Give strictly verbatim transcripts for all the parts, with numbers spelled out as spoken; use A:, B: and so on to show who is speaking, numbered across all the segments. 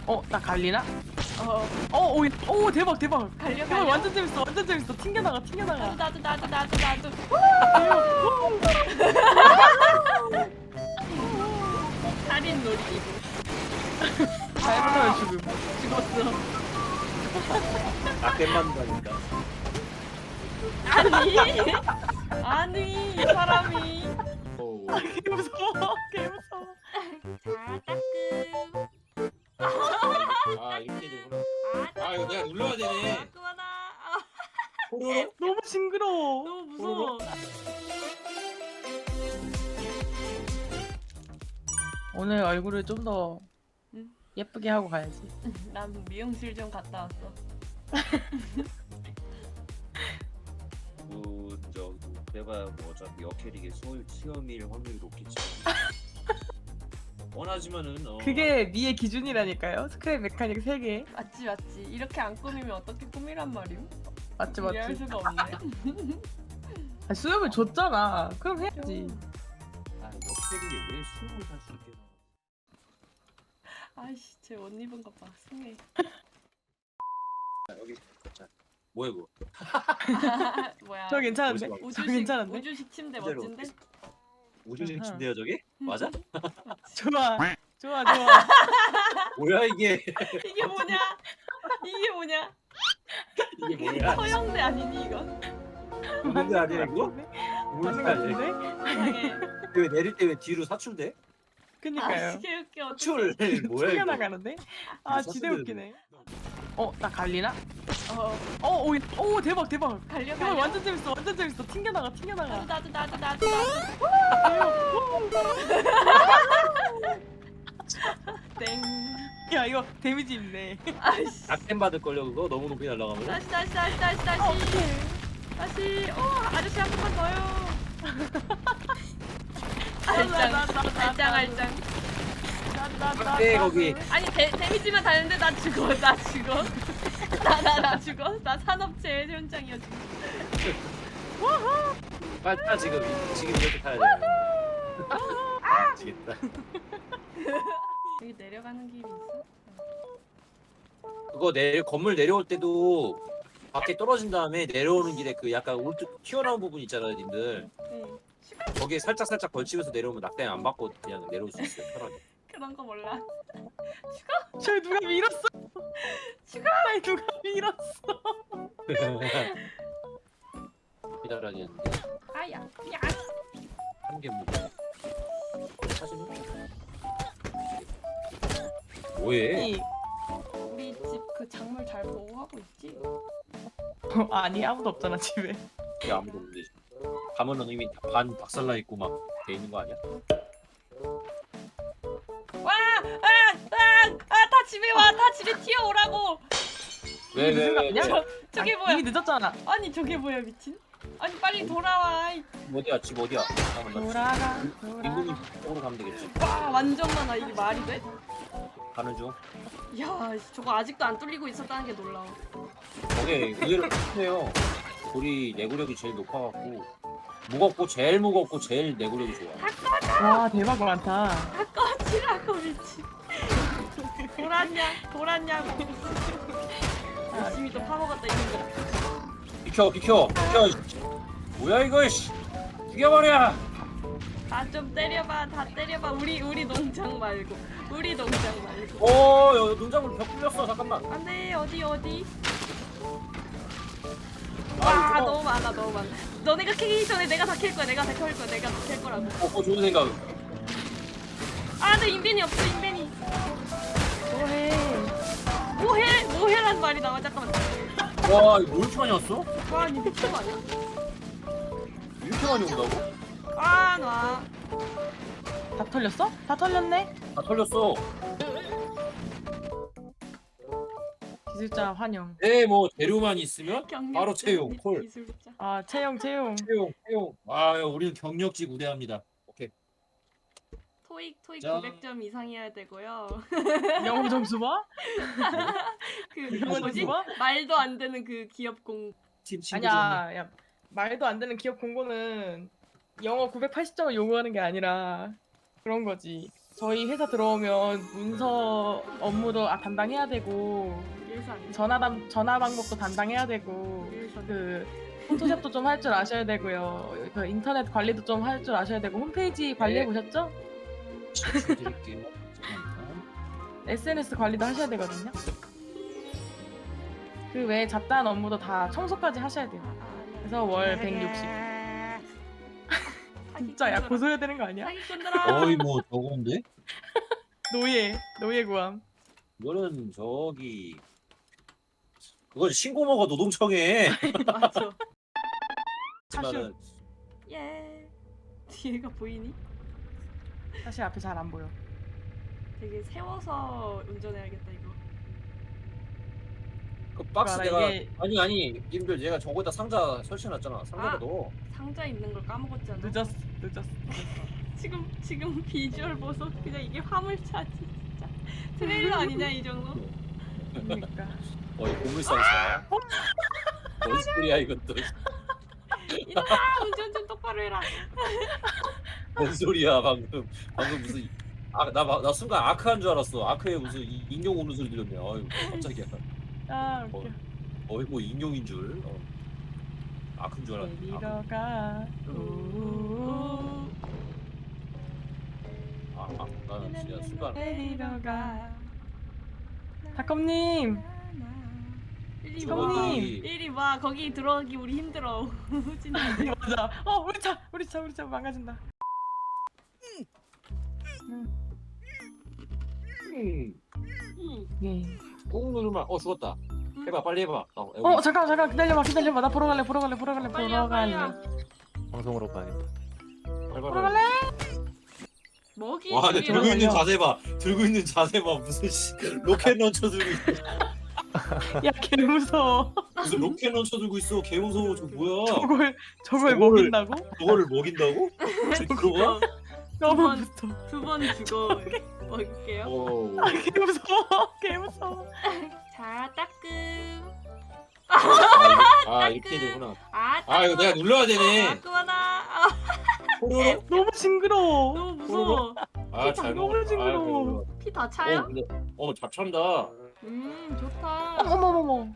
A: 어, 나 갈리나?
B: 어
A: 어, 오, 오, 대박, 대박.
B: 갈려
A: 대박,
B: 갈려.
A: 완전 재밌어, 완전 재밌어. 튕겨나가, 튕겨나가.
B: 나도 나도 나도 나도 나도. 살인 놀이기구.
A: 잘못하면 죽음. 죽었어.
C: 나 깻만다니까.
B: 아니 아니 이 사람이.
C: 오.
A: 개 무서워, 개 무서워.
B: 자 따끔.
C: 아 이렇게 되구나. 아 이거 내가 눌러야 되네.
B: 그만아. 아,
C: 호로로?
A: 너무 징그러워.
B: 너무 무서워.
A: 오늘 얼굴을 좀 더
B: 응.
A: 예쁘게 하고 가야지.
B: 난 미용실 좀 갔다 왔어.
C: 그 저기 해봐야 뭐 어차피 역캐릭의 수 시험일 확률이 높겠지. 원하지만은 어.
A: 그게 미의 기준이라니까요. 스크랩 메카닉 세 개.
B: 맞지 맞지. 이렇게 안 꾸미면 어떻게 꾸미란 말임?
A: 맞지,
B: 이해할
A: 맞지.
B: 수가 없네.
A: 아, 수염을 줬잖아. 그럼 해야지.
C: 아 역캐릭이 왜 수영을 할 수 있게 나와?
B: 아이씨 제 옷 입은 것 봐. 승해.
C: 자, 여기 자 뭐야 이거?
B: 뭐야?
A: 저 괜찮은데?
C: 멋있어.
A: 저
B: 우주식
A: 괜찮은데?
B: 우주식 침대
C: 그대로
B: 멋진데?
C: 우주식
A: 아하.
C: 침대야 저기? 맞아?
A: 좋아, 좋아, 좋아.
C: 뭐야 이게?
B: 이게 뭐냐? 이게 뭐냐?
C: 이게 뭐야?
B: 서영대 아니니 이건?
C: 우는데 아니야 이거? 우는 거 아니야?
A: 같은데?
B: 이상해.
C: 왜 내릴 때 왜 뒤로 사출돼?
A: 그니까요.
B: 아 개웃겨.
C: 사출 뭐야 이거?
A: 튕겨나가는데? 아,
C: 사슴들은-
A: 지대 웃기네. 어, 나 갈리나?
B: 어
A: 어, 오, 오, 대박, 대박.
B: 갈려
A: 대박,
B: 갈려.
A: 완전 재밌어, 완전 재밌어. 튕겨나가,
B: 나도
A: 튕겨나가.
B: 나도 나도 나도 나도. 땡.
A: 야, 이거 데미지 있네.
B: 아이씨.
C: 악템 받을 걸요 그거 너무 높이 날아가면.
B: 다시 다시 다시 다시 다시.
A: 어, 어떡해.
B: 다시. 어 아저씨 한 번만 더요.
A: 나, 나,
B: 알짱
A: 나, 나,
B: 알짱
A: 나,
B: 알짱.
A: 나, 나, 나,
C: 네,
A: 나,
C: 거기.
A: 나.
B: 아니 데, 데미지만 다는데 나 죽어 나 죽어. 나 나 나 죽어. 나 산업체 현장이야 지금.
C: 빨리 타 지금 지금 이렇게 타야 돼. 미치겠다.
B: 여기 내려가는 길이 있어?
C: 그거 내 건물 내려올 때도 밖에 떨어진 다음에 내려오는 길에 그 약간 울뚝 튀어나온 부분 있잖아요, 님들.
B: 네.
C: 거기에 살짝 살짝 걸치면서 내려오면 낙뎀 안 받고 그냥 내려올 수 있어요, 편하게.
B: 그런 거 몰라.
A: 저 누가 밀었어?
B: 죽어!
A: 날 누가 밀었어?
C: 기다려야겠는데
B: 아야 야.
C: 한개 무거워. 사실은 뭐해?
A: 아니,
B: 우리 집 그 작물 잘 보호하고 있지?
A: 어, 아니 아무도 없잖아 집에.
C: 왜 아무도 없는데 가면은 이미 다 반 박살나 있고 막 돼 있는 거 아니야?
B: 와! 아! 아! 아! 다 집에 와! 다 집에 튀어오라고!
C: 왜
A: 이게
C: 왜
A: 무슨 거
C: 왜?
A: 아니야?
B: 저, 저게
A: 아,
B: 뭐야?
A: 이미 늦었잖아.
B: 아니 저게 뭐야 미친? 아니 빨리 돌아와. 이-
C: 어디야? 집 어디야? 잠깐만 나
A: 돌아가,
C: 인근이
A: 돌아가.
C: 쪽으로 가면 되겠지?
B: 와 완전 많아. 이게 말이 돼?
C: 가는 중.
B: 야 저거 아직도 안 뚫리고 있었다는 게 놀라워.
C: 저게 의외로 좋네요. 돌이 내구력이 제일 높아갖고 무겁고 제일 무겁고 제일 내구력이 좋아.
A: 와 대박 많다.
B: 꺼지라고 미친. 돌았냐? 돌았냐고. 열심히 또 파먹었다 이런 거.
C: 비켜 비켜 비켜. 뭐야 이거 씨. 죽여버려.
B: 다 좀 때려봐. 다 때려봐. 우리 우리 농장 말고. 우리 농장 말고.
C: 어 여기 농작물 벽 뚫렸어. 잠깐만.
B: 안돼 어디 어디.
C: 아,
B: 와
C: 이거
B: 너무 많아 너무 많아. 너네가 캐기 전에 내가 다 캘 거야. 내가 다 캘 거야. 내가 다 캘 거라고.
C: 어, 어 좋은 생각.
B: 아, 내 인벤이 없어 인벤이.
A: 뭐해?
B: 뭐해? 뭐해란 말이 나와. 잠깐만.
C: 와 이거 뭐 이렇게 많이 왔어?
B: 와, 니 미친 거 아니야?
C: 이렇게 많이 온다고?
B: 아, 나.
A: 다 털렸어? 다 털렸네.
C: 다 털렸어.
A: 기술자 환영.
C: 네, 뭐 재료만 있으면
B: 경력
C: 바로 채용,
B: 및
C: 콜.
B: 기술자.
A: 아 채용 채용.
C: 채용, 채용. 아, 우리는 경력직 우대합니다. 오케이.
B: 토익 토익
C: 자.
B: 구백 점 이상이어야 되고요.
A: 영어 점수 봐?
B: 그
A: 영어
B: 뭐지?
A: 점수 봐?
B: 말도 안 되는 그 기업 공.
C: 팀 친구 좀.
A: 아니야, 야 말도 안 되는 기업 공고는 영어 구백팔십 점을 요구하는 게 아니라 그런 거지. 저희 회사 들어오면 문서 업무도 아, 담당해야 되고
B: 일상.
A: 전화 담 전화 방법도 담당해야 되고
B: 일상.
A: 그 포토샵도 좀 할 줄 아셔야 되고요. 그 인터넷 관리도 좀 할 줄 아셔야 되고 홈페이지 관리해 보셨죠?
C: 드릴게요. 잠깐만요.
A: 에스엔에스 관리도 하셔야 되거든요. 그 외에 잡다한 업무도 다 청소까지 하셔야 돼요. 그래서 월 백육십. 진짜 야 고소해야 되는 거 아니야?
B: 사기꾼들아.
C: 거의 뭐 저건데?
A: 노예 노예 구함.
C: 이거는 저기 그건 신고모가 노동청에.
B: 맞아.
C: 하지만은
B: 예. 뒤에가 보이니?
A: 사실 앞에 잘 안 보여.
B: 되게 세워서 운전해야겠다 이거.
C: 그 박스
A: 그거라,
C: 내가
A: 이게-
C: 아니 아니 님들 얘가 저거에다 상자 설치해놨잖아. 상자가
B: 아.
C: 넣어.
B: 상자 있는 걸 까먹었잖아.
A: 늦었어 늦었어.
B: 지금 지금 비주얼 보소. 그냥 이게 화물차지 진짜. 트레일러 아니냐 이 정도?
A: 그러니까.
C: 어이 고물상사. 뭔 소리야 이것도.
B: 이놈아 운전 좀 똑바로 해라.
C: 뭔 소리야 방금. 방금 무슨 아나 나 순간 아크한 줄 알았어. 아크에 무슨 이- 인형 오는 소리 들렸네. 아유 깜짝이야.
A: 아 웃겨.
C: 어이 뭐 인형인 줄. 어. 아크인 줄 알았네.
A: 데리러
C: 아크.
A: 가. 우.
C: 아, 아 나는 진짜 순간.
A: 데리러 가. 닭검님.
B: 이리
A: 형님.
B: 와. 이리 와. 거기 들어가기 우리 힘들어. 진짜.
A: 맞아. 어 우리 차 우리 차 우리 차 망가진다. 응.
C: 음.
A: 예.
C: 꾹 누르면 어 죽었다. 해봐 빨리 해봐. 어,
A: 어 잠깐 잠깐 기다려봐 기다려봐 나 보러 갈래 보러 갈래 보러 갈래
B: 빨리야,
A: 보러 갈래.
B: 빨리야.
D: 방송으로 가야겠다.
A: 보러 갈래?
B: 먹이.
C: 와, 근데
B: 주위로
C: 들고 있는
A: 걸려.
C: 자세 봐. 들고 있는 자세 봐. 무슨 씨, 로켓 런처 들고 있어.
A: 야개 무서워.
C: 무슨 로켓 런처 들고 있어. 개 무서워. 저 뭐야?
A: 저걸 저걸
C: 저거를-
A: 먹인다고?
C: 저거를 먹인다고? 그거야?
A: 너무
B: 번.
A: 무서워.
B: 두 번 죽어. 먹을게요.
C: 어.
A: 아, 개 무서워. 개 무서워.
B: 자, 따끔.
C: 아, 아 이렇게 되구나.
B: 아,
C: 아 이거 내가 눌러야 되네.
B: 따끔하다. 아,
C: 호로로?
A: 너무 징그러워.
B: 너무 무서워.
C: 아, 잘
A: 너무
C: 먹었다.
A: 징그러워.
B: 피 다
C: 아,
B: 차요?
C: 어, 근데 어, 잡찬다.
B: 음, 좋다.
A: 어머머머.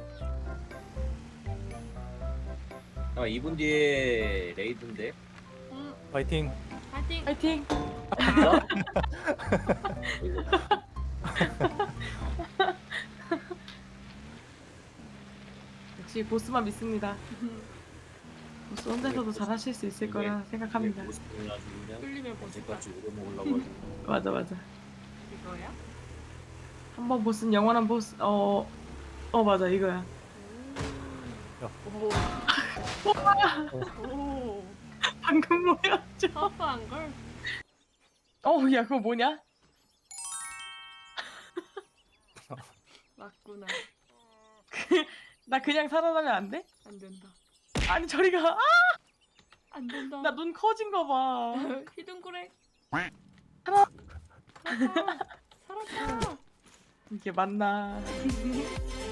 C: 아, 이 분 뒤에 레이드인데.
B: 음,
D: 파이팅.
B: 파이팅.
A: 파이팅.
C: 이거.
A: 역시 보스만 믿습니다. 보스 혼자서도 잘 하실 수 있을 거라 생각합니다.
C: 모습을 아주 그냥
B: 끌리면 보스다.
C: 언제까지 오래 먹으려고 하지.
A: 맞아 맞아.
B: 이거야?
A: 한번 보스는 영원한 보스. 어. 어 맞아 이거야.
B: 오. 오.
A: 방금 뭐였죠?
B: 터프한 걸.
A: 어우 야 그거 뭐냐?
B: 맞구나.
A: 나 그냥 살아나면 안 돼?
B: 안 된다.
A: 아니 저리 가. 아!
B: 안 된다.
A: 나 눈 커진 거 봐.
B: 히든그레.
A: 살아.
B: 살았다. 살았다.
A: 이게 맞나?